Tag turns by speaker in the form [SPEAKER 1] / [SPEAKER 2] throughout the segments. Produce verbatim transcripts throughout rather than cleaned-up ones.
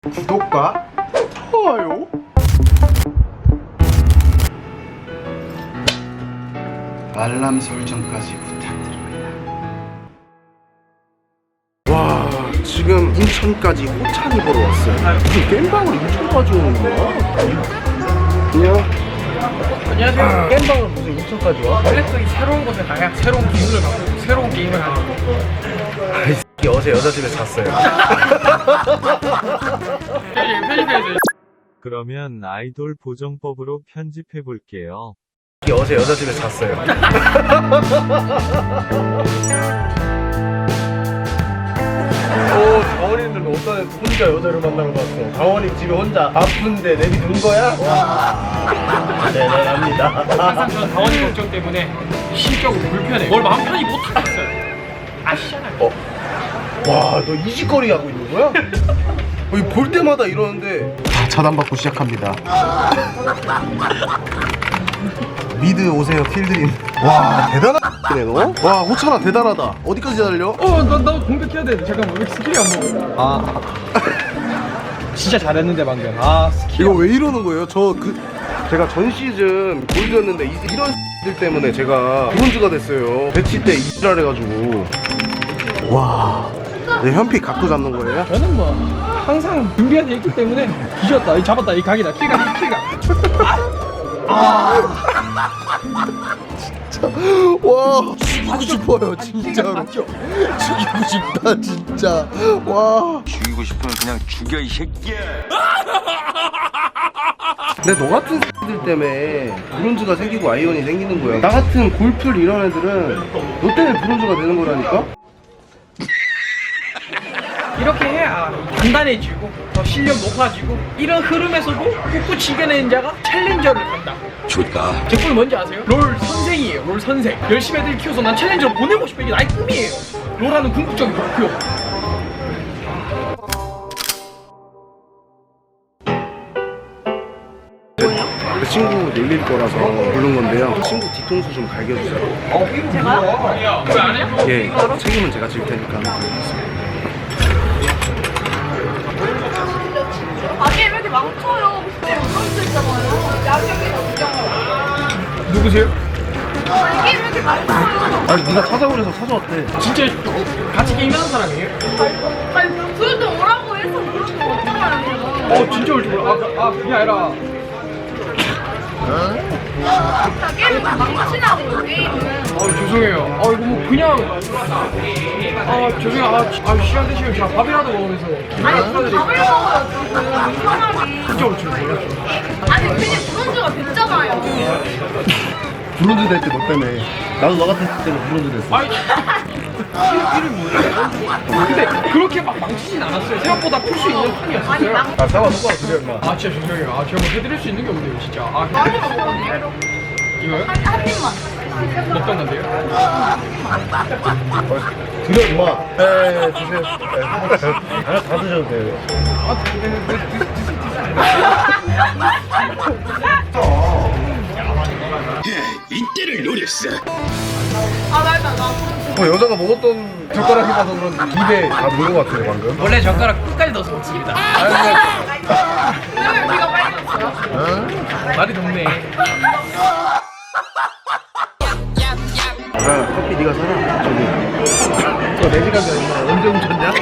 [SPEAKER 1] 구독과 좋아요 알람 설정까지 부탁드립니다. 와, 지금 인천까지 호찬이 보러 왔어요. 무슨 겜방을 인천까지 오는 거야? 안녕.
[SPEAKER 2] 안녕하세요.
[SPEAKER 1] 아, 겜방을 무슨 인천까지 와?
[SPEAKER 2] 원래 또 이 새로운 곳에 가야 새로운 기분을 갖고 새로운 게임을 하는 거.
[SPEAKER 1] 아이 새끼 어제 여자 집에 잤어요.
[SPEAKER 2] 편집해야죠.
[SPEAKER 3] 그러면 아이돌 보정법으로 편집해 볼게요.
[SPEAKER 1] 어제 여자 집에 잤어요. 오, 자원이는 어떤 혼자 여자를 만나러 갔어. 자원이 집에 혼자 아픈데 내비둔 거야? 와, 대단합니다.
[SPEAKER 2] 항상 저는 다원이 걱정 때문에 심적으로 불편해. 뭘 마음 편히 못 하겠어요. 아시잖아요.
[SPEAKER 1] 어? 와, 너 이직거리 하고 있는 거야? 어, 이거 볼 때마다 이러는데. 자, 차단받고 시작합니다. 미드 오세요, 킬드림. 와, 대단하네 너. 와, 호찬아 대단하다. 어디까지 달려?
[SPEAKER 2] 어, 나, 나 공격해야 돼. 잠깐만, 왜 스킬이 안 먹어? 아. 진짜 잘했는데, 방금. 아, 스킬.
[SPEAKER 1] 이거 왜 이러는 거예요? 저 그 제가 전 시즌 골드였는데 이, 이런 들 때문에 제가 브론즈가 됐어요. 배치 때 이지랄 해가지고. 와, 내 현피 각도 잡는 거예요?
[SPEAKER 2] 저는 뭐, 항상 준비가 돼 있기 때문에 뒤졌다. 이 잡았다. 이 각이다. 킬각, 킬각. 아.
[SPEAKER 1] 진짜 와, 죽이고 싶어요 진짜로.
[SPEAKER 2] 맞죠?
[SPEAKER 1] 죽이고 싶다 진짜. 와,
[SPEAKER 4] 죽이고 싶으면 그냥 죽여 이 새끼야.
[SPEAKER 1] 근데 너 같은 X들 때문에 브론즈가 생기고 아이언이 생기는 거야. 나 같은 골풀 이런 애들은 너 때문에 브론즈가 되는 거라니까?
[SPEAKER 2] 이렇게 해야 단단해지고 더 실력 높아지고 이런 흐름에서도 꿋꿋이 이겨내는 자가 챌린저를 간다.
[SPEAKER 4] 좋다.
[SPEAKER 2] 제 꿈이 뭔지 아세요? 롤 선생이에요. 롤 선생. 열심히 애들 키워서 난 챌린저를 보내고 싶어. 이게 나의 꿈이에요. 롤하는 궁극적인 목표.
[SPEAKER 1] 그 친구 놀릴 거라서 부른 건데요. 친구 뒤통수 좀 갈겨주세요.
[SPEAKER 2] 제가요? 왜 안 해요?
[SPEAKER 1] 예, 책임은 제가 질 테니까 한번 부르겠습니다.
[SPEAKER 5] 아니 왜 이렇게 망쳐요? 그때 못할수 있잖아요. 야경이 구경을.
[SPEAKER 2] 누구세요?
[SPEAKER 5] 이게 왜 이렇게 망쳐요?
[SPEAKER 1] 아니 네가 찾아오래서 찾아왔대.
[SPEAKER 2] 진짜 같이 게임하는 사람이에요?
[SPEAKER 5] 아니 그래도 오라고 해서 그런 거 없잖아요.
[SPEAKER 2] 어 진짜 올줄 몰라. 아, 아 그게 아니라
[SPEAKER 5] 다 게임을 망치라고요 게임을.
[SPEAKER 2] 아 죄송해요. 아 이거 뭐 그냥 아 죄송해요. 아, 아 시간 되시면 제가 밥이라도 먹으면서
[SPEAKER 5] 아니 그럼 밥을 먹어요 지금 편하게.
[SPEAKER 2] 진짜 올줄 몰랐죠.
[SPEAKER 5] 아니 괜히 브론즈가 됐잖아요.
[SPEAKER 1] 브론즈 될 때 너 때문에. 나도 너 같은 때는 브론즈 됐어.
[SPEAKER 2] 아니 이름 뭐예요? 근데 그렇게 막 망치진 않았어요. 생각보다 풀 수 있는
[SPEAKER 5] 아니
[SPEAKER 2] 판이었어요.
[SPEAKER 5] 망
[SPEAKER 1] 아, 사과 누가 그래 임마.
[SPEAKER 2] 아 진짜 죄송해요. 아 제가 뭐 해드릴 수 있는 게 없네요 진짜. 아
[SPEAKER 5] 많이 먹거든요.
[SPEAKER 2] 이거요?
[SPEAKER 5] 한, 한 입만.
[SPEAKER 2] 먹던 건데요?
[SPEAKER 1] 드려 임마. 네, 드세요. 네. 하나 다 드셔도 돼요.
[SPEAKER 2] 아 드- 드- 드- 드-
[SPEAKER 4] 이때를 노렸어.
[SPEAKER 5] 아 맞다 나.
[SPEAKER 1] 어, 여자가 먹었던 젓가락이 봐서 그런지 입에 다 물은 것 같아요 방금.
[SPEAKER 2] 원래 젓가락 끝까지 넣어서 먹습니다.
[SPEAKER 5] 왜 귀가 빨개졌어요?
[SPEAKER 2] 말이 덥네.
[SPEAKER 1] 아, 커피 네가 사라. 저기. 너 네 시간 전에 임마 언제 훔쳤냐?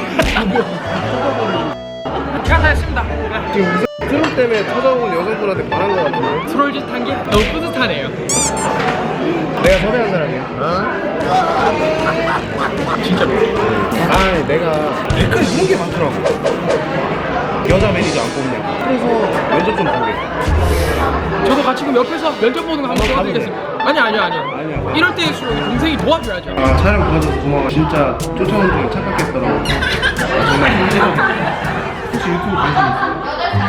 [SPEAKER 2] 제가 다 했습니다.
[SPEAKER 1] 지금 이 트롤 때문에 찾아온 여성분한테 반한 것 같은데.
[SPEAKER 2] 트롤짓 한 게 너무 뿌듯하네요.
[SPEAKER 1] 내가 섭외한 사람이야.
[SPEAKER 2] 진짜로.
[SPEAKER 1] 아, 내가 댓글이 이런 게 많더라고. 여자 매니저 안 뽑냐고. 그래서 면접 좀 보게.
[SPEAKER 2] 저도 같이 그럼 옆에서 면접 보는 거 한번 도와드리겠습니다. 아니 아니요 아니요.
[SPEAKER 1] 아니야.
[SPEAKER 2] 이럴 때일수록 동생이 도와줘야죠.
[SPEAKER 1] 아, 촬영 도와줘서 고마워. 진짜 쫓아오는 중에 착각했더라고. 아, 정말 힘들어. 혹시 유튜브 관심 있어?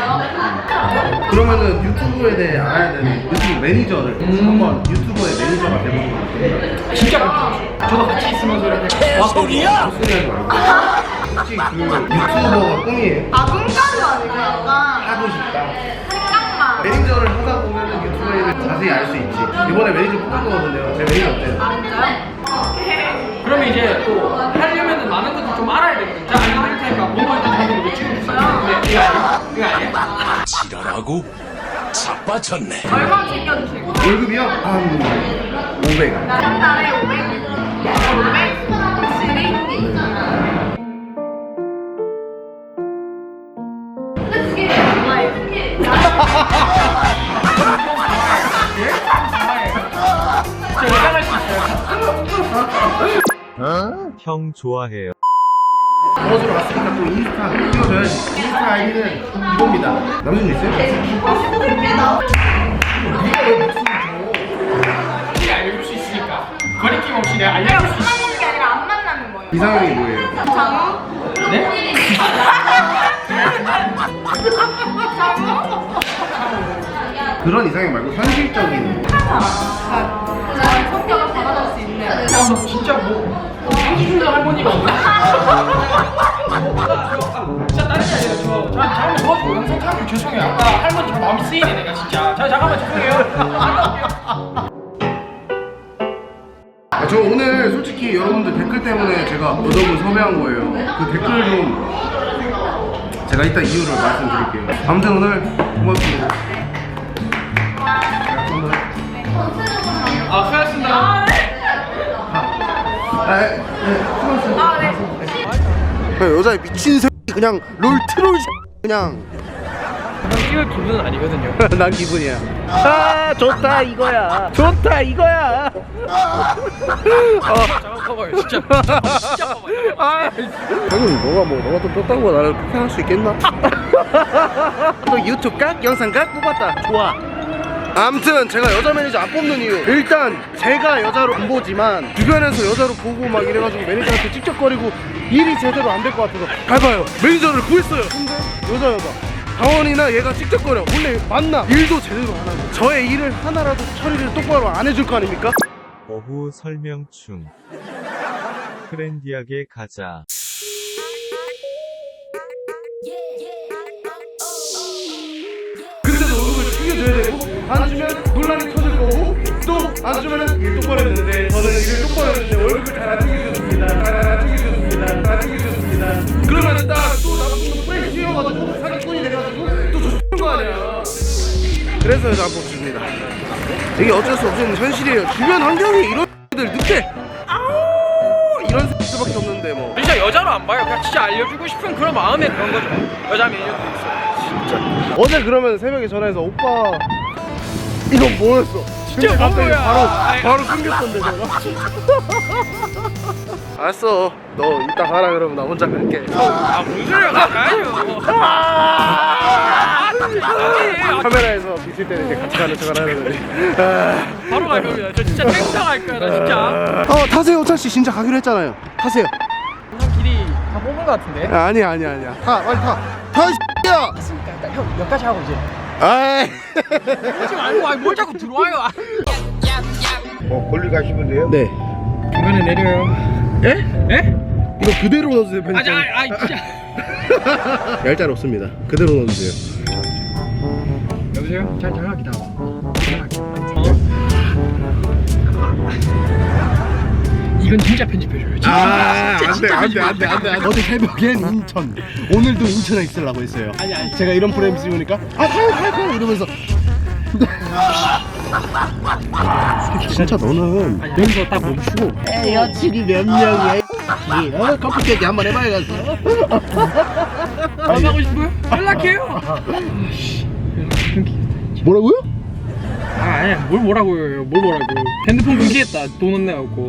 [SPEAKER 1] 그러면은 유튜브에 대해 알아야 되는 유튜브 매니저를 한번 유튜버의 매니저가 돼보는 거 어떨까요?
[SPEAKER 2] 진짜 그렇죠. 저도 같이 있으면서 이렇게 와 소리야.
[SPEAKER 1] 헛소리 하지 말고. 혹시 그 유튜버가 꿈이에요?
[SPEAKER 5] 아 꿈까지 아니고 약간
[SPEAKER 1] 하고 싶다.
[SPEAKER 5] 생각만.
[SPEAKER 1] 매니저를 하다 보면은 유튜버에 대해 자세히 알 수 있지. 이번에 매니저 뽑을 거거든요. 제 매니저 어때요?
[SPEAKER 5] 아 진짜요?
[SPEAKER 2] 그러면 이제 또 하려면은 많은 것들 좀 알아야 되거든요. 자 알려드릴 테니까 본거 일단 하는 거 찍어주세요. 네. 이거 아니야? 이거 아니야?
[SPEAKER 4] 지랄하고 자빠졌네.
[SPEAKER 5] 얼마 챙겨주실 거예요?
[SPEAKER 1] 월급이요? 한 오백.
[SPEAKER 5] 한 달에 오백? 오백? 확실히? 근데 그게 정말 그게
[SPEAKER 2] 저 여장할 수 있어요.
[SPEAKER 3] 형 좋아해요.
[SPEAKER 1] 버스로 왔으니까 또 인스타 찍어줘야지. 인스타 아이디는 이겁니다. 남자분 있어요?
[SPEAKER 2] 혹시 알려줄 수 있으니까 거리낌 없이 내가 알려줄 수 있어.
[SPEAKER 5] 만나는 게 아니라 안 만나는 거예요.
[SPEAKER 1] 이상형이 뭐예요?
[SPEAKER 5] 장우?
[SPEAKER 2] 네?
[SPEAKER 1] 그런 이상형 말고 현실적인.
[SPEAKER 5] 제가 성격을 받아줄 수 있는.
[SPEAKER 2] 아, 너 진짜 뭐 한수준의 할머니가 없나? 진짜 다른 게 아니라 저 저- 잠깐만 도와주고 영상 촬영 죄송해요. 아까 할머니 저 마음이 쓰이네 내가 진짜. 자 잠깐만 죄송해요. 갔다 올게요.
[SPEAKER 1] 아, 저 오늘 솔직히 여러분들 댓글 때문에 제가 여러분 섭외한 거예요. 그 댓글 좀 제가 이따 이유를 말씀드릴게요. 아무튼 오늘 고맙습니다.
[SPEAKER 2] 아 수고하셨습니다.
[SPEAKER 1] 아, 네, 수고하셨습니다.
[SPEAKER 5] 아, 네.
[SPEAKER 1] 여자애 미친 새끼 그냥 롤 트롤 그냥
[SPEAKER 2] 찍을 기분은 아니거든요.
[SPEAKER 1] 난 기분이야. 아 좋다 이거야. 좋다 이거야.
[SPEAKER 2] 잠깐 커봐요 진짜. 진짜 커봐요.
[SPEAKER 1] 아, 형님 너가 뭐 너가 좀 떴다는 거 나를 폭행할 수 있겠나? 또 유튜브 각 영상 각 뽑았다. 좋아. 아무튼 제가 여자 매니저 안 뽑는 이유, 일단 제가 여자로 안 보지만 주변에서 여자로 보고 막 이래가지고 매니저한테 찝쩍거리고 일이 제대로 안 될 것 같아서 봐봐요 매니저를 구했어요. 근데 여자 여자 강원이나 얘가 찝쩍거려. 원래 맞나? 일도 제대로 안 하고 저의 일을 하나라도 처리를 똑바로 안 해줄 거 아닙니까?
[SPEAKER 3] 오후 설명충. 트렌디하게 가자.
[SPEAKER 1] 근데도 월급을 챙겨줘야 되고 안 주면 논란이 터질 거고 또 안 주면은 일 똑바로 했는데 저는 일을 똑바로 했는데 월급을 잘 안 챙겨줬습니다. 잘 안 챙겨줬습니다. 잘 안 챙겨줬습니다. 그러면은 딱또 나쁜 프레임 씌워가지고 사기꾼이 돼가지고 또 줬는 거 아니야. 그래서 여자 안 뽑습니다. 이게 어쩔 수 없는 현실이에요. 주변 환경이 이런 들 늑대 아우 이런 새끼들밖에 없는데 뭐.
[SPEAKER 2] 진짜 여자로 안 봐요. 그냥 진짜 알려주고 싶은 그런 마음에 그런 거죠. 여자 매니저도 있어요.
[SPEAKER 1] 어제 그러면 새벽에 전화해서 오빠 이건 뭐였어?
[SPEAKER 2] 진짜
[SPEAKER 1] 근데 갑자기
[SPEAKER 2] 뭐야?
[SPEAKER 1] 바로
[SPEAKER 2] 아이.
[SPEAKER 1] 바로 끊겼던데 제가. 알았어. 너 이따 가라 그러면 나 혼자 갈게.
[SPEAKER 2] 아 무슨 소리야 가요. 아 진짜 이상해.
[SPEAKER 1] 카메라에서 비칠 때는 이제 같이 가는 척을 하려더니. 아.
[SPEAKER 2] 바로 갈 겁니다. 저 진짜 탱상 할 거야 나 진짜.
[SPEAKER 1] 어 타세요 오찬 씨 진짜 가기로 했잖아요. 타세요.
[SPEAKER 2] 형 길이 다 뽑은 거 같은데.
[SPEAKER 1] 아, 아니야 아니야 아니야. 타 빨리 타. 타 씨야.
[SPEAKER 2] 맞습니까? 일단 형 여기까지 하고 이제.
[SPEAKER 1] 아이.
[SPEAKER 2] 오지 말고 아니 뭘 자꾸 들어와요. 아.
[SPEAKER 1] 어 걸리 가시면 돼요? 네.
[SPEAKER 2] 중간에 내려요. 예? 예?
[SPEAKER 1] 이거 그대로 넣어주세요
[SPEAKER 2] 아,
[SPEAKER 1] 편집.
[SPEAKER 2] 아, 아, 진짜.
[SPEAKER 1] 얄짤 없습니다. 그대로 넣어주세요.
[SPEAKER 2] 여보세요? 잘 전화 기다려. 어? 이건 진짜 편집해줘요. 진짜.
[SPEAKER 1] 아,
[SPEAKER 2] 진짜,
[SPEAKER 1] 안 돼,
[SPEAKER 2] 진짜
[SPEAKER 1] 안 돼, 안 돼, 안 돼, 안 돼. 어제 새벽엔 인천, 오늘도 인천에 있으려고 했어요.
[SPEAKER 2] 아니, 아니.
[SPEAKER 1] 제가 이런 프레임 씌우니까, 아, 가요, 가요, 가요, 이러면서. 진짜 너는
[SPEAKER 2] 여기서 딱 멈추고.
[SPEAKER 1] 에, 여친이 몇 명이야? 이 어, 커피 깨기 한번 해봐야겠어.
[SPEAKER 2] 만나고 싶어요? 연락해요.
[SPEAKER 1] 뭐라고요?
[SPEAKER 2] 아, 아니야. 뭘 뭐라고요? 뭘 뭐라고? 핸드폰 금지했다. 돈은 내갖고.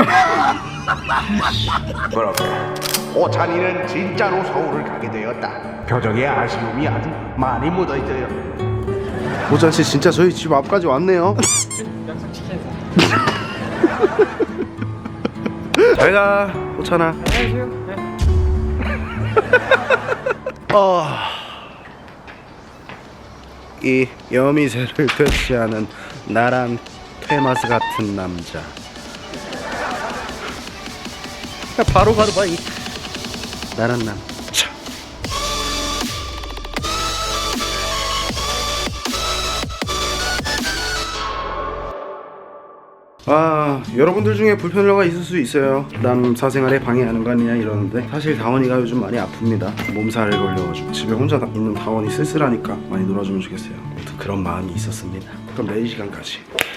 [SPEAKER 1] 오찬이는 진짜로 서울을 가게 되었다. 표정에 아쉬움이 아주 많이 묻어 있어요. 오찬 씨 진짜 저희 집 앞까지 왔네요.
[SPEAKER 2] 약속 지켜서.
[SPEAKER 1] 잘가 오찬아.
[SPEAKER 2] 안녕하세요. 네.
[SPEAKER 1] 어... 이 여미새를 퇴치하는 나란 퇴마스 같은 남자. 바로 가도 봐 이 나란 남자. 아, 여러분들 중에 불편러가 있을 수 있어요. 남 사생활에 방해하는 거 아니냐 이러는데 사실 다원이가 요즘 많이 아픕니다. 몸살을 걸려가지고 집에 혼자 있는 다원이 쓸쓸하니까 많이 놀아주면 좋겠어요. 아무튼 그런 마음이 있었습니다. 그럼 내일 시간까지